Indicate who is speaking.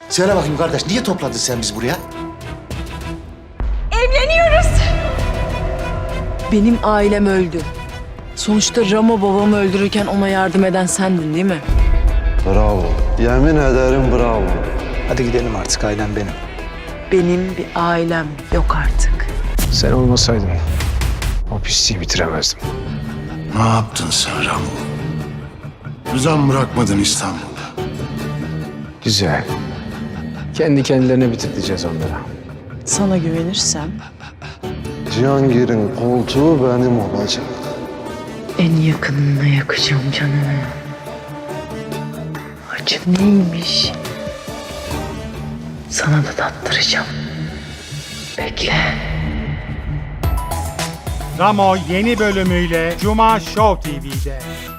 Speaker 1: Söyle bakayım kardeş, niye topladın sen bizi buraya?
Speaker 2: Evleniyoruz.
Speaker 3: Benim ailem öldü. Sonuçta Ramo babamı öldürürken ona yardım eden sendin değil mi?
Speaker 4: Bravo. Yemin ederim bravo.
Speaker 5: Hadi gidelim artık, ailem benim.
Speaker 3: Benim bir ailem yok artık.
Speaker 5: Sen olmasaydın o pisliği bitiremezdim.
Speaker 6: Ne yaptın sen Ramo? Rıza mı bırakmadın İstanbul'da?
Speaker 5: Güzel. Kendi kendilerine bitirteceğiz onlara.
Speaker 3: Sana güvenirsem
Speaker 4: Cihangir'in koltuğu benim olacak.
Speaker 3: en yakınına yakacağım canım. Acı neymiş? Sana da tattıracağım. Bekle.
Speaker 7: Ramo yeni bölümüyle Cuma Show TV'de.